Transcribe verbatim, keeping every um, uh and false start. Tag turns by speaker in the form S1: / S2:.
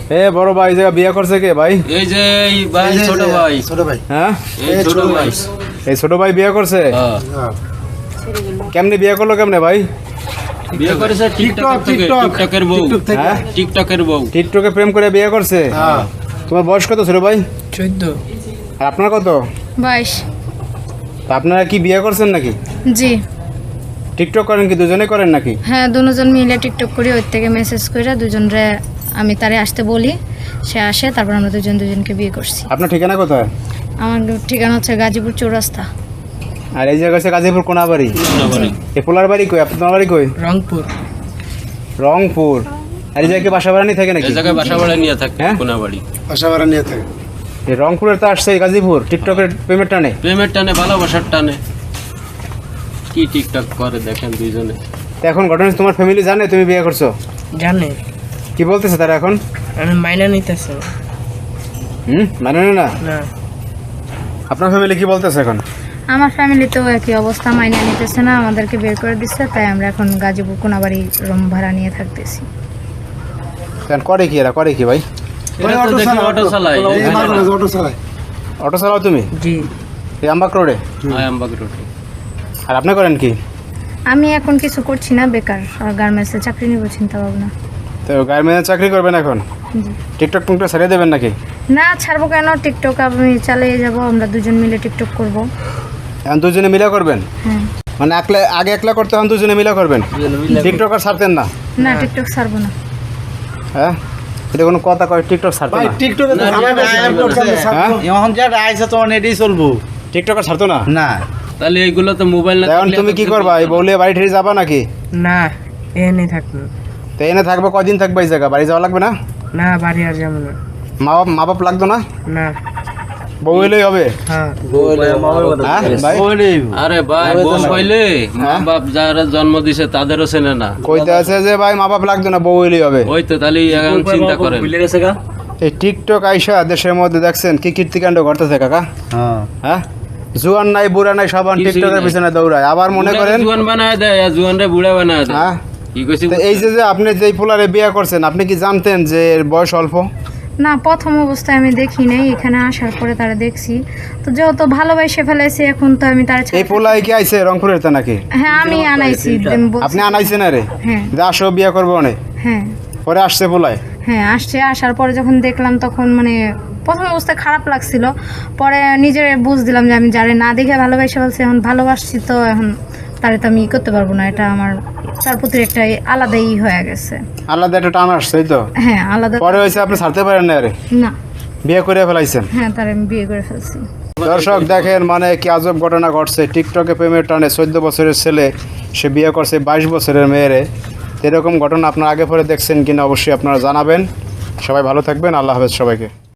S1: এ বড় ভাই যে বিয়ে করছে কে ভাই?
S2: এই যে এই ভাই ছোট ভাই
S3: ছোট ভাই
S1: হ্যাঁ
S2: এই ছোট ভাই
S1: এই ছোট ভাই বিয়ে করছে?
S2: হ্যাঁ
S1: কেমনে বিয়ে করলো কেমনে ভাই?
S2: বিয়ে করেছে টিকটক থেকে টিকটকের বউ
S1: হ্যাঁ
S2: টিকটকের বউ
S1: টিকটকে প্রেম করে বিয়ে করছে?
S3: হ্যাঁ
S1: তোমার বয়স কত ছোট ভাই?
S4: চোদ্দ।
S1: আর আপনার কত?
S5: বাইশ।
S1: তা আপনারা কি বিয়ে করছেন নাকি?
S5: জি
S1: টিকটক করেন কি দুজনে করেন নাকি?
S5: হ্যাঁ, দুজন মিলে টিকটক করি, ওর থেকে মেসেজ করে দুজনরে আমি তারে আসতে বলি, সে আসে, তারপর আমরা দুজন দুজনকে বিয়ে করছি।
S1: আপনার ঠিকানা কোথায়?
S5: আমার ঠিকানা হচ্ছে গাজীপুর চৌরাস্তা।
S1: আর এই জায়গা হচ্ছে গাজীপুর কোনাবাড়ি।
S2: কোনাবাড়ি।
S1: এ পোলার বাড়ি কই? আপনার বাড়ি কই?
S4: রংপুর।
S1: রংপুর। আর এই জায়গায় বাসা ভাড়া নিয়ে থাকে নাকি?
S2: এই জায়গায় বাসা ভাড়া নিয়ে থাকে
S1: হ্যাঁ?
S2: কোনাবাড়ি।
S3: বাসা ভাড়া নিয়ে থাকে।
S1: এই রংপুরের তো আসছে এই গাজীপুর টিকটকের প্রেমের টানে।
S2: প্রেমের টানে ভালোবাসার টানে কি টিকটক করে দেখেন দুইজনে।
S1: তো এখন ঘটনা তোমার ফ্যামিলি জানে তুমি বিয়ে করছো?
S4: জানে।
S1: কি বলতেছে তারা এখন?
S4: আমি মাইনা নিতেছে
S1: হুম মানে না?
S4: না।
S1: আপনার ফ্যামিলি কি বলতেছে এখন?
S5: আমার ফ্যামিলিতেও একই অবস্থা, মাইনে নিতেছে না, আমাদেরকে বের করে দিচ্ছে, তাই আমরা এখন গাজীপুর কোনাবাড়ি রুম ভাড়া নিয়ে থাকতেছি।
S1: এখন করে কি এরা করে কি ভাই?
S2: এরা তো দেখি অটো চালায়
S3: এই মাঝে মাঝে অটো চালায়।
S1: অটো চালাও তুমি?
S4: জি।
S1: এই আমবাগ রোডে?
S2: আয়ামবাগ রোডে।
S1: আর আপনি করেন কি?
S5: আমি এখন কিছু করছি না, বেকার, আর গার্মেন্টসে চাকরি নিব চিন্তা ভাবনা।
S1: তো গার্মেন্টে চাকরি করবেন এখন?
S5: জি।
S1: টিকটক টিকটক ছেড়ে দেবেন নাকি?
S5: না, ছাড়বো কেন, টিকটক আমি চালিয়ে যাব, আমরা দুজন মিলে টিকটক করব।
S1: এখন দুজনে মিলে করবেন?
S5: হ্যাঁ।
S1: মানে একলা আগে একলা করতে এখন দুজনে মিলে করবেন? টিকটক আর ছাড়তেন না?
S5: না, টিকটক ছাড়বো না।
S1: হ্যাঁ এটা কোনো কথা কয় টিকটক ছাড়তো
S3: ভাই
S1: না?
S3: টিকটকে তো ঝামেলা বেশি, টিকটক কেমনে ছাড়বো?
S1: হ্যাঁ
S6: এখন যেটা আইসে তোমার এটাই চলবো
S1: টিকটক আর ছাড়তো না?
S6: না।
S2: তাহলে এইগুলো তো মোবাইল না
S1: এখন তুমি কি করবা? এই বউলে বাড়ি ঠেড়ে যাবা নাকি?
S4: না, এনে থাকবো।
S1: তো এনে থাকবো কদিন থাকবে এই জায়গা? বাড়ি যাওয়া লাগবে না?
S4: না, বাড়ি আর যাবো না।
S1: মা বাপ মা বাপ লাগতো না?
S4: না।
S1: বউ এলেই হবে?
S4: হ্যাঁ।
S1: হ্যাঁ ভাই?
S2: আরে ভাই বউ হইলে মা বাপ যারা জন্ম দিছে তাদেরও চেনে না।
S1: কইতে আছে যে ভাই মা বাপ লাগতো না, বউ এলেই হবে।
S2: ওই তো তাহলে এখন চিন্তা করেন।
S1: এই টিকটক আইসা দেশের মধ্যে দেখছেন কি কীর্তিকাণ্ড ঘটতেছে কাকা?
S6: হ্যাঁ
S1: হ্যাঁ জুয়ান নাই বুড়া নাই সবান
S2: কিছুই
S1: টিকটকের
S2: নাই।
S1: পিছনে দৌড়ায়। আবার মনে করেন
S2: জুয়ান বানায় দেয় আর জুয়ানরে বুড়া বানায় দেয়।
S1: হ্যাঁ
S2: কি কইছি
S1: তো এই যে যে আপনি যেই পোলারে বিয়ে করছেন আপনি কি জানতেন যে এর বয়স অল্প?
S5: না, প্রথম অবস্থায় আমি দেখি নাই, এখানে আসার পরে তারা দেখছি, তো যেহেতু ভালোবাসে ফেলেছি এখন তো আমি তার
S1: এই পোলাই কি আইছে রংপুরের তে নাকি?
S5: হ্যাঁ, আমি আনাইছি, আমি বলছি-
S1: আপনি আনাইছেন আরে
S5: হ্যাঁ
S1: যে আসো বিয়ে করবো অনেক
S5: হ্যাঁ
S1: পরে আসছে পোলাই?
S5: হ্যাঁ আসছে, আসার পরে যখন দেখলাম তখন মানে প্রথম অবস্থায় খারাপ লাগছিল, পরে নিজের বুঝ দিলাম যে আমি যারে না দেখে ভালোবাসে ফেলছি, এখন ভালোবাসছি তো এখন তারে তো আমি ই করতে পারবো না, এটা আমার তার প্রতি একটা আলাদাই হয়ে গেছে।
S1: আলাদা একটা টান আসছে এই তো?
S5: হ্যাঁ আলাদা।
S1: পরে হয়েছে আপনি ছাড়তে পারেন না আরে?
S5: না,
S1: বিয়ে করে ফেলাইছেন?
S5: হ্যাঁ তারে আমি বিয়ে করে ফেলছি।
S1: দর্শক দেখেন মানে কি আজব ঘটনা ঘটছে। টিকটকে প্রেমের টানে চোদ্দ বছরের ছেলে সে বিয়ে করছে বাইশ বছরের মেয়েরে। এরকম ঘটনা আপনারা আগে পরে দেখছেন কিনা অবশ্যই আপনারা জানাবেন। সবাই ভালো থাকবেন, আল্লাহ হাফেজ সবাইকে।